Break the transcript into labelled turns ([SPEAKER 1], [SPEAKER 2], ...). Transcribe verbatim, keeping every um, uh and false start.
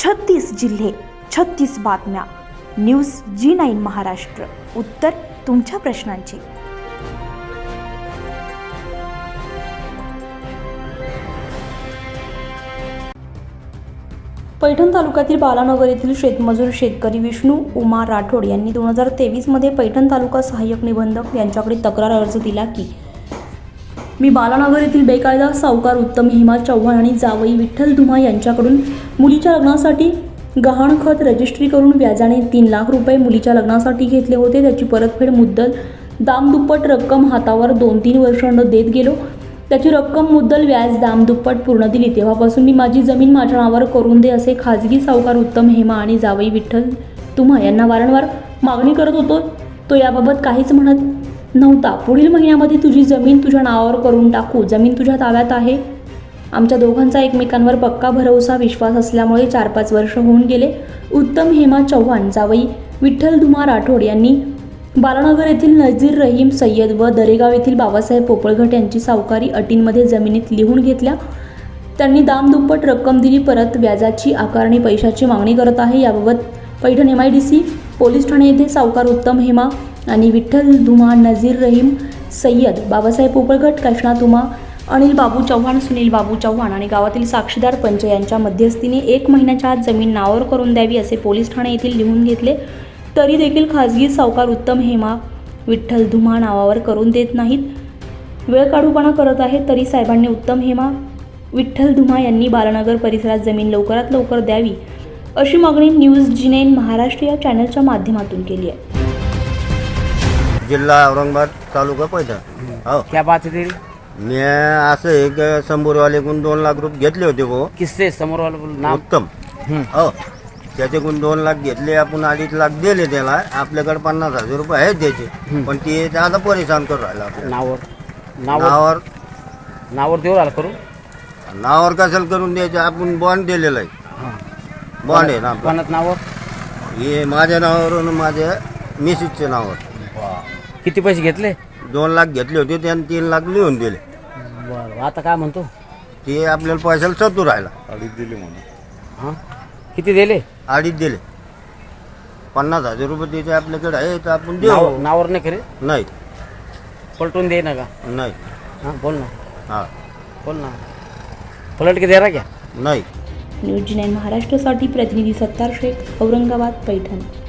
[SPEAKER 1] छत्तीस जिल्हे, छत्तीस बातम्या. न्यूज जी नाईन महाराष्ट्र. उत्तर तुमच्या प्रश्नांची. पैठण तालुक्यातील बालानगर येथील शेतमजूर शेतकरी विष्णू उमा राठोड यांनी दोन हजार तेवीस मध्ये पैठण तालुका सहाय्यक निबंधक यांच्याकडे तक्रार अर्ज दिला की मी बालानगर येथील बेकायदा सावकार उत्तम हेमा चव्हाण आणि जावई विठ्ठल धुमा यांच्याकडून मुलीच्या लग्नासाठी गहाणखत रजिस्ट्री करून व्याजाने तीन लाख रुपये मुलीच्या लग्नासाठी घेतले होते. त्याची परतफेड मुद्दल दामदुप्पट रक्कम हातावर दोन तीन वर्षांनं देत गेलो. त्याची रक्कम मुद्दल व्याज दामदुप्पट पूर्ण दिली. तेव्हापासून मी माझी जमीन माझ्या नावावर करून दे असे खाजगी सावकार उत्तम हेमा आणि जावई विठ्ठल धुमा यांना वारंवार मागणी करत होतो. तो याबाबत काहीच म्हणत नव्हता. पुढील महिन्यामध्ये तुझी जमीन तुझ्या नावावर करून टाकू, जमीन तुझ्या ताब्यात आहे. आमच्या दोघांचा एकमेकांवर पक्का भरवसा विश्वास असल्यामुळे चार पाच वर्ष होऊन गेले. उत्तम हेमा चव्हाण जावई विठ्ठल धुमा राठोड यांनी बालानगर येथील नजीर रहीम सय्यद व दरेगाव येथील बाबासाहेब पोपळघट यांची सावकारी अटींमध्ये जमिनीत लिहून घेतल्या. त्यांनी दामदुप्पट रक्कम दिली, परत व्याजाची आकारणी पैशाची मागणी करत आहे. याबाबत Paithan M I D C police ठाणे येथे सावकार उत्तम हेमा आणि विठ्ठल धुमा, नजीर रहीम सय्यद, बाबासाहेब पोपळघट, कृष्णा धुमा, अनिल बाबू चव्हाण, सुनील बाबू चव्हाण आणि गावातील साक्षीदार पंच यांच्या मध्यस्थीने एक महिन्याच्या आत जमीन नावावर करून द्यावी असे पोलीस ठाणे येथील लिहून घेतले. तरी देखील खाजगी सावकार उत्तम हेमा विठ्ठल धुमा नावावर करून देत नाहीत, वेळ काढूपणा करत आहेत. तरी साहेबांनी उत्तम हेमा विठ्ठल धुमा यांनी बालानगर परिसरात जमीन लवकरात लवकर द्यावी अशी मागणी न्यूज जी नाईन महाराष्ट्र या चॅनलच्या माध्यमातून केली आहे.
[SPEAKER 2] जिल्हा औरंगाबाद, तालुका पैठण. हो,
[SPEAKER 3] क्या बात है तेरी?
[SPEAKER 2] मी असं एक समोरवालेकडून दोन लाख रुपये घेतले होते भाऊ.
[SPEAKER 3] किससे समोर वाला बोल नाम?
[SPEAKER 2] उत्तम. हो, त्याच्याकडून दोन लाख घेतले आपण, अडीच लाख दिले त्याला. आपल्याकडे पन्नास हजार रुपये आहेत त्याचे, पण ते आता परेशान करून राहिला आपल्याला.
[SPEAKER 3] नावर नावर
[SPEAKER 2] नावावर
[SPEAKER 3] नावर देऊ राहिला करू.
[SPEAKER 2] नावावर कशाला करून द्यायचं? आपण बॉन्ड दिलेला आहे. बॉन्ड आहे ना आपला.
[SPEAKER 3] कोणात नावर?
[SPEAKER 2] हे माझ्या नावावर आणि माझ्या मिसेसच्या नावावर.
[SPEAKER 3] किती पैसे घेतले?
[SPEAKER 2] दोन लाख घेतले होते, त्याने तीन लाख लिहून दिले.
[SPEAKER 3] बरं, आता काय म्हणतो?
[SPEAKER 2] ते आपल्याला पैशाला चतू राहिला.
[SPEAKER 4] अडीच दिले म्हणून.
[SPEAKER 3] हां, किती दिले?
[SPEAKER 2] अडीच दिले. पन्नास हजार रुपये त्याचे आपल्याकडे आहे, तर आपण देऊ.
[SPEAKER 3] नाव- नावर नाही करे?
[SPEAKER 2] नाही
[SPEAKER 3] पलटून दे ना का?
[SPEAKER 2] नाही.
[SPEAKER 3] हां, बोल ना,
[SPEAKER 2] हा
[SPEAKER 3] बोल ना. पलट के दे रहा क्या?
[SPEAKER 2] नाही.
[SPEAKER 1] न्यूज जी नाईन महाराष्ट्रासाठी प्रतिनिधी सत्तार शेख, औरंगाबाद, पैठण.